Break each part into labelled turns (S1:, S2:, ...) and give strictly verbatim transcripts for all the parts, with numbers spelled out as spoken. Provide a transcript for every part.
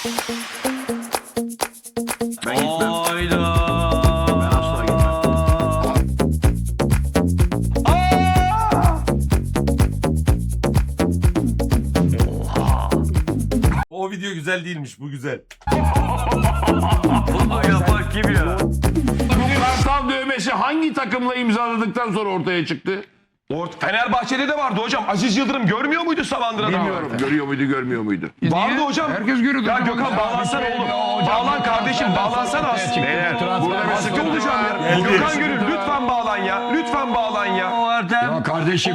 S1: Ben gitmem.
S2: Hayda.
S1: Ben asla gitmem.
S3: O video güzel değilmiş, bu güzel.
S2: Bunu yapan kim ya?
S4: Kartal dövmesi hangi takımla imzaladıktan sonra ortaya çıktı?
S5: Fenerbahçe'de de vardı hocam. Aziz Yıldırım görmüyor muydu Savandıra'da?
S4: Bilmiyorum. Görüyor muydu, görmüyor muydu?
S5: Vardı hocam.
S6: Herkes görüyordu.
S5: Ya Gökhan bağlansana oğlum. Bağlan kardeşim, bağlansana aslında.
S4: Beyler, burada bir sıkıntı
S5: hocam ya.
S3: Geldi.
S5: Gökhan Gönül lütfen bağlan ya. Lütfen bağlan ya.
S2: O Ertem.
S6: Ya kardeşim.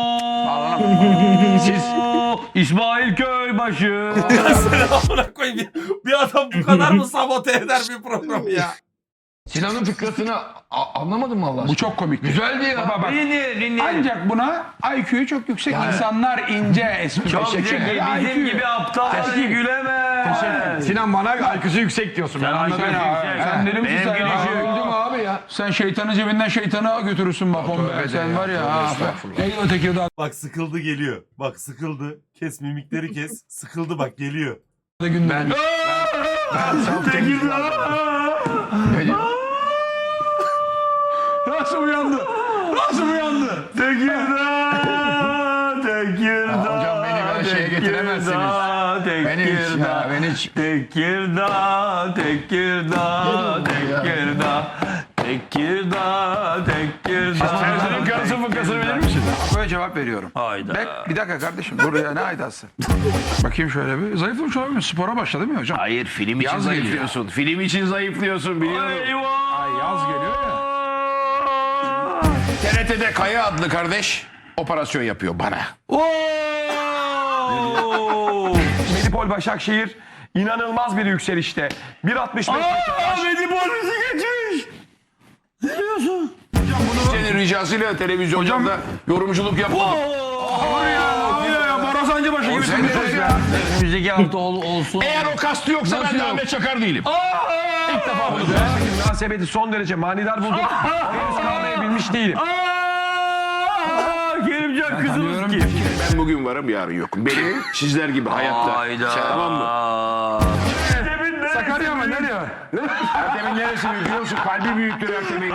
S2: Siz İsmail Köybaşı.
S3: Amına koyayım. Bir, bir adam bu kadar mı sabote eder bir programı ya?
S6: Sinan'ın fıkrasını a- anlamadın mı Allah
S7: Bu çok komik.
S6: Güzeldi ya.
S7: Baba bak.
S2: Dinle dinle.
S7: Ancak buna I Q'yu çok yüksek insanlar ince espri.
S2: Çok
S7: Teşekkür
S2: zeki.
S7: ederim.
S2: Bizim
S7: I Q.
S2: gibi aptal gülemez.
S6: Sinan bana I Q'su yüksek diyorsun. Ben
S2: Sen
S6: anladım.
S2: I Q'su
S6: ya.
S2: yüksek.
S7: Sen dedim ki
S2: Benim
S7: sen,
S2: gülüşüm-
S7: Aa,
S6: Öldüm abi ya.
S7: sen şeytanı cebinden şeytanı götürürsün bak oğlum.
S6: tövbe de
S7: Sen
S6: ya,
S7: var ya.
S6: tövbe
S7: Ha,
S6: estağfurullah.
S7: neydi o Tekirdağ'da
S3: Bak sıkıldı geliyor. Bak sıkıldı. Kes mimikleri kes. Sıkıldı bak geliyor.
S7: günde.
S6: Ben, ben self temizledim.
S7: Nasıl uyandı? Nasıl uyandı?
S2: Tekirdağ, Tekirdağ.
S6: Hocam beni böyle şeye getiremezsiniz. Beni hiç ya, beni hiç.
S2: Tekirdağ, Tekirdağ, Tekirdağ, Tekirdağ, Tekirdağ.
S4: Serzen'in karısı fıkrasını verir misin?
S7: Böyle cevap veriyorum.
S2: Hayda.
S7: Bek, bir dakika kardeşim dur ya ne aydası. Bakayım şöyle bir. Zayıflamış olabilir. Spora başladı değil mi hocam?
S4: Hayır, film için
S7: Yaz geliyor.
S4: zayıflıyorsun. Film için zayıflıyorsun, biliyorum.
S2: Eyvah.
S7: Ay yaz geliyor ya.
S4: T R T'de Kaya adlı kardeş operasyon yapıyor bana.
S2: Oo!
S5: Medipol Başakşehir inanılmaz bir yükselişte. bir altmış beş
S2: Aa, Medipol bizi geçmiş. Ne diyorsun?
S4: Senin ricasıyla televizyonda yorumculuk yapmadım.
S7: Ya ya Borazancı başı gibi
S4: Sen de ya.
S2: Önümüzdeki hafta ol, olsun.
S4: Eğer o kastı yoksa
S2: Nasıl
S4: ben de
S2: yok?
S4: Ahmet Çakar değilim.
S5: ilk defa bunu münasebeti son derece manidar buldum. Henüz kavrayabilmiş değilim.
S2: Aa, Kerimcan kızımız kim?
S4: Ben bugün varım, yarın yokum. Benim sizler gibi hayatta.
S2: Hayda.
S4: Sen tamam mı?
S7: Sakarya mı nereye?
S4: Ertem'in neresi büyük biliyor musun? Kalbi büyüktür Ertem'in.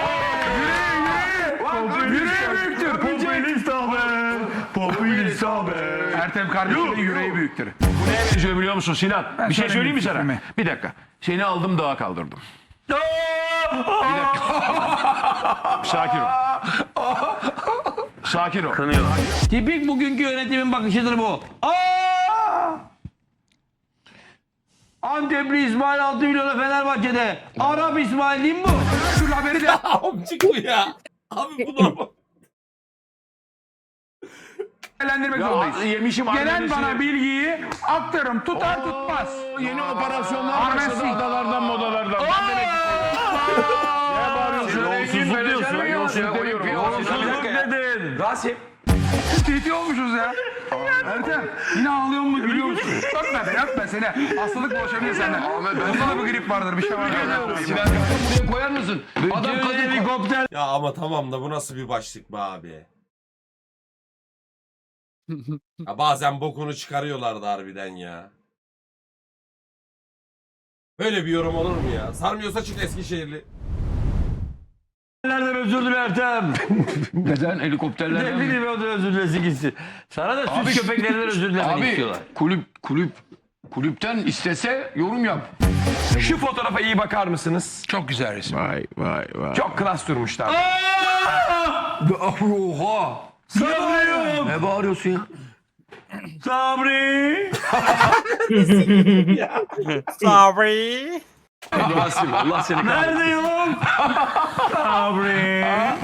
S7: Yüreği büyüktür.
S2: Popülist abi. Popülist abi.
S7: Ertem kardeşimin yüreği büyüktür.
S4: Bu neye benziyor biliyor musun Sinan? Bir şey söyleyeyim mi sana?
S7: fikrimi.
S4: Bir dakika. Seni aldım dağa kaldırdım. Sakin ol. Sakin ol.
S2: Tipik bugünkü yönetimin bakışıdır bu. Aa! Antepli İsmail altı milyona Fenerbahçe'de. Arap İsmail değil mi bu?
S7: Dur haberi de
S3: Amcık bu ya. Abi bu normal.
S7: değerlendirmek
S4: Ya,
S7: zorundayız.
S4: yemişim
S7: Gelen
S4: annesi.
S7: bana bilgiyi aktarım tutar tutmaz.
S4: Yeni operasyonlar
S7: Armesi.
S4: başladı adalardan modalardan. Ben demek Ne bağırıyorsun?
S2: Yolsuzluk diyorsun.
S4: Yolsuzluk demiyorum.
S2: Yolsuzluk dedin.
S5: Rasim.
S7: Titi olmuşuz ya. Ertem yine ağlıyor mu gülüyor musun? Öpme be öpme seni. Hastalık bulaşabilir senden. Onda da bir grip vardır bir şey vardır.
S6: Sinan buraya koyar mısın? Adam
S2: Bütün
S6: kadın
S2: helikopter.
S3: Ya ama tamam da bu nasıl bir başlık be abi? Ya bazen bokunu çıkarıyorlardı harbiden ya. Böyle bir yorum olur mu ya? Sarmıyorsa çık Eskişehirli.
S2: Nereden özür diler Ertem?
S6: neden
S2: Ne
S6: helikopterlerden?
S2: bileyim ben özür dilesin gitsin. Sana da süt köpeklerinden özür dilemek
S6: Abi
S2: istiyorlar.
S6: kulüp kulüp kulüpten istese yorum yap.
S5: Şu fotoğrafa iyi bakar mısınız?
S7: Çok güzel resim.
S4: Vay vay vay.
S5: Çok klas durmuşlar.
S6: Oha.
S2: Sabrı'yım.
S6: Ne bağırıyorsun ya?
S2: Sabri.
S3: Sorry.
S5: Rasim Allah seni kahretsin.
S2: Neredeyim? Sabri.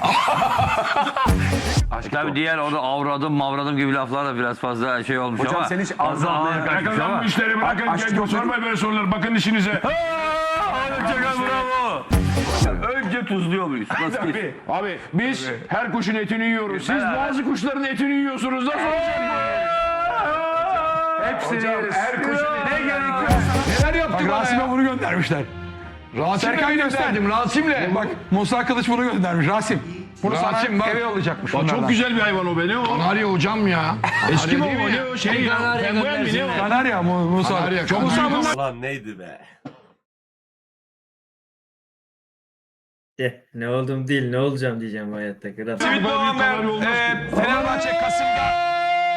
S2: Tabii diğer orada avradım mavradım gibi laflar da biraz fazla şey olmuş
S5: Hocam
S2: ama.
S5: sen hiç
S2: fazla
S5: ağzına
S2: ağır kaçmış
S4: Bırakın lan
S2: ama.
S4: bu işleri, bırakın.
S5: Aşk
S4: Gel,
S5: yok.
S4: sormayın böyle soruları. Bakın işinize.
S2: Ahmet Çakar bravo. Önce tuzluyor muyuz? Nasıl ki?
S4: Abi biz her kuşun etini yiyoruz. Siz
S2: Beraber.
S4: bazı kuşların etini yiyorsunuz. Nasıl olacak?
S7: Hepsini yeriz.
S4: Her kuşun
S7: Ne
S4: etini
S7: gerekiyor?
S6: Neler yaptı
S7: Bak
S6: bana
S7: Rasim'e
S6: ya?
S7: bunu göndermişler.
S6: Rasim'le
S7: Serkan
S6: gönderdim. Rasim'le.
S7: Bak Musa Kılıç bunu göndermiş. Rasim Bunu sana
S4: Rasim bak.
S7: eve yollayacakmış.
S4: Bak,
S7: bunlardan.
S4: çok güzel bir hayvan o be ne o? Kanarya hocam ya. Eski mi o ne o şey ya? Penguen mi ne o?
S7: Kanarya mı Musa?
S4: Kanarya,
S7: Çok Musa
S4: kanarya.
S7: bunlar.
S3: Ulan neydi be?
S8: De, ne oldum değil ne olacağım diyeceğim bu hayatta. Kral.
S5: Simit Doğan ben. Ee, Fenerbahçe Kasım'da.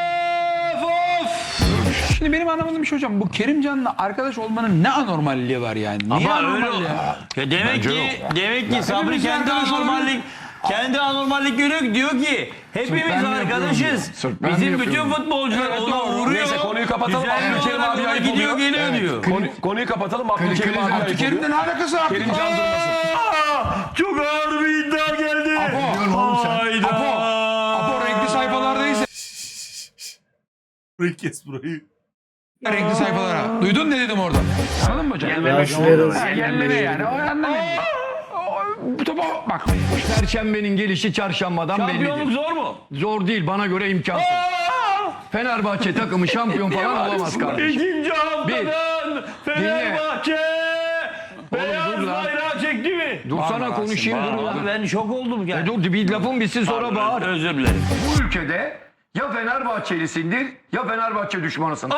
S7: Şimdi benim anlamadığım bir şey hocam. Bu Kerimcan'la arkadaş olmanın ne anormalliği var yani? Niye
S6: Ama öyle
S7: anormal
S6: o-
S7: ya?
S6: Ya demek ki demek ki Sabri
S7: hepimiz
S6: kendi
S7: arkadaş
S6: anormallik kendi anormallik görüyor diyor ki hepimiz
S4: ben mi yapıyorum
S6: arkadaşız.
S4: diyor. Sırf ben mi
S6: Bizim
S4: yapıyorum
S6: bütün
S4: diyor.
S6: futbolcular
S7: Evet,
S6: ona
S7: doğru.
S6: uğruyor.
S5: Neyse konuyu kapatalım.
S6: Güzel
S5: Abdülkerim
S6: olarak
S5: abi
S6: ona
S5: ayıp
S6: gidiyor
S5: oluyor.
S6: geliyor diyor.
S5: Konu- konuyu kapatalım. Abdülkerim abi ayıp oluyor.
S7: Abdülkerim'le ne alakası var?
S5: Kerimcan durmasın.
S6: Aa, çok ağır bir iddia geldi.
S7: Apo.
S6: Hayda.
S7: Apo. Apo renkli sayfalardayız.
S3: Burayı kes burayı.
S7: Renkli sayfalara. Duydun ne dedim orada? Anladın mı hocam?
S8: Yazıklar olsun.
S7: Ha, Yerleme yani. O anlamayın. Bu topa bak.
S9: Perşembenin gelişi çarşambadan
S6: Şampiyonluk
S9: bellidir.
S6: zor mu?
S9: Zor değil, bana göre imkansız. Fenerbahçe takımı şampiyon falan olamaz kardeşim.
S6: İkinci haftadan Fenerbahçe beyaz
S9: dur lan.
S6: bayrağı çekti mi?
S9: Dur sana konuşayım dur
S6: Abi
S9: lan.
S6: ben şok oldum
S9: E
S6: yani.
S9: dur bir lafın bitsin sonra bağır.
S6: Özür dilerim.
S9: Bu ülkede ya Fenerbahçelisindir ya Fenerbahçe düşmanısın.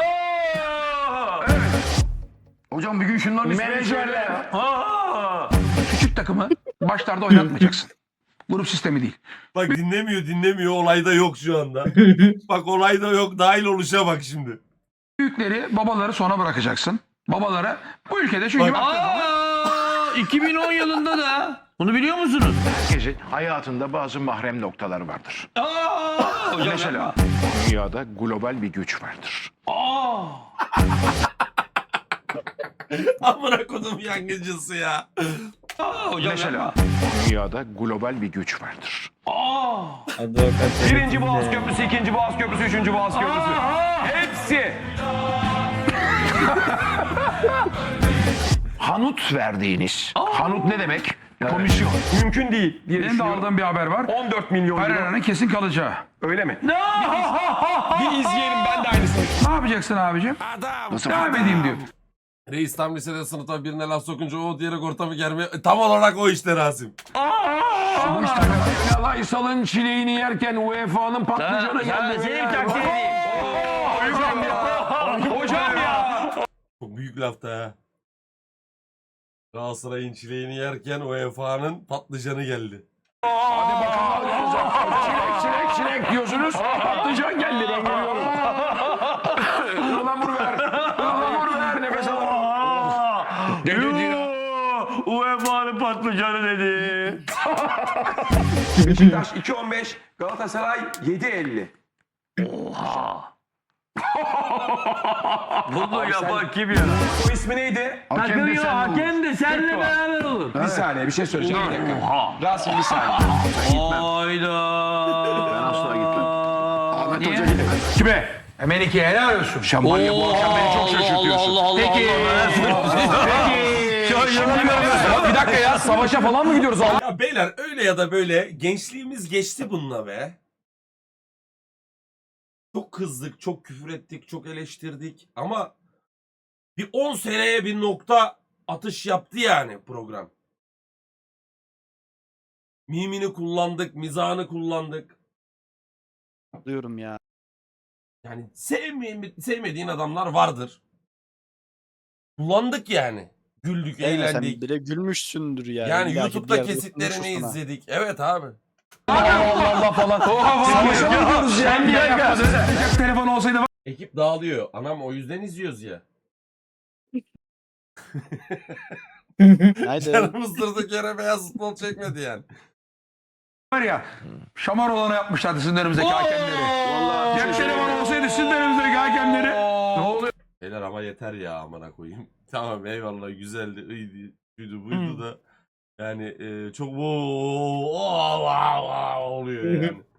S9: Hocam bir gün şunların ismini söyle ya.
S7: Küçük takımı başlarda oynatmayacaksın. Grup sistemi değil.
S3: Bak dinlemiyor dinlemiyor olayda yok şu anda. Bak olayda yok dahil oluşa bak şimdi.
S7: Büyükleri, babaları sona bırakacaksın. Babaları bu ülkede çünkü
S3: Bak-
S6: Aa, iki bin on yılında da bunu biliyor musunuz?
S4: Herkesin hayatında bazı mahrem noktaları vardır.
S6: Aa, hocam
S4: Mesela dünyada global bir güç vardır.
S3: Amına kodum yangıcısı ya.
S6: hocam
S4: Mesela dünyada global bir güç vardır.
S8: Avukat.
S5: Birinci Boğaz Köprüsü, ikinci Boğaz Köprüsü, üçüncü Boğaz Köprüsü. Hepsi.
S4: Hanut verdiğiniz. Hanut ne demek? Komisyon.
S5: Mümkün değil diye
S7: benim de
S5: düşünüyorum.
S7: aldığım bir haber var.
S5: on dört milyon euro.
S7: Pereira'nın kesin kalacağı.
S5: Öyle mi? Bir izleyelim ben de aynısını.
S7: Ne yapacaksın abicim?
S4: Nasıl?
S7: Devam edeyim diyor.
S3: Reis tam lisede sınıfta birine laf sokunca o diyerek ortamı germe. E, Tam olarak o işte Rasim.
S4: Bu işte Aysal'ın çileğini yerken U E F A'nın patlıcanı
S6: Sen
S4: geldi.
S6: seni takdir edeyim.
S5: Hocam ya. Hocam ya.
S3: Çok büyük lafta ha. Galatasaray'ın çileğini yerken U E F A'nın patlıcanı geldi.
S4: Hadi bakalım. Çilek çilek çilek diyorsunuz. Patlıcan geldi ben görüyorum. Ilamur ver. Ilamur ver nefes al. Ne dedi ya?
S6: U E F A'nın patlıcanı dedi.
S5: Beşiktaş iki on beş, Galatasaray yedi elli.
S6: Bunu yapan kim ya?
S5: O ismi neydi?
S6: Takım yok hakem de seninle beraber olur.
S5: Bir saniye bir şey söyleyeceğim. Bir dakika. Rasim bir saniye.
S6: Hayda.
S4: Ben asla gitmem. Ahmet Hoca gidemez. Kime?
S7: Melike helal olsun.
S4: Şambanya bu akşam beni çok şaşırtıyorsun.
S6: Allah Allah
S7: Peki.
S5: Bir dakika ya savaşa falan mı gidiyoruz?
S3: Ya beyler öyle ya da böyle gençliğimiz geçti bununla be. Çok kızdık, çok küfür ettik, çok eleştirdik ama bir on seneye bir nokta atış yaptı yani program. Mimini kullandık, mizahını kullandık.
S1: Diyorum ya.
S3: Yani sevme- sevmediğin adamlar vardır. Kullandık yani. Güldük,
S1: Sen
S3: eğlendik.
S1: bile gülmüşsündür yani.
S3: Yani
S1: İlla ki bir
S3: YouTube'da
S1: yerde
S3: kesitlerini
S1: konuşursun ha.
S3: izledik. Evet abi.
S5: Allah Allah falan. Savaşa mı gidiyoruz ya?
S7: Sen bir yapmadın. Cep telefonu olsaydı var.
S3: Ekip dağılıyor. Anam o yüzden izliyoruz ya.
S1: Haydi.
S3: Canımız durduk yere beyaz futbol çekmedi yani.
S7: var ya. Şamar olanı yapmışlardı sizin önümüzdeki hakemleri. Vallahi cep telefonu olsaydı sizin önümüzdeki hakemleri. Ne oluyor?
S3: Beyler ama yeter ya amına koyayım. Tamam eyvallah güzeldi, iyiydi, şuydu buydu da yani e, çok wow, wow, wow oluyor yani.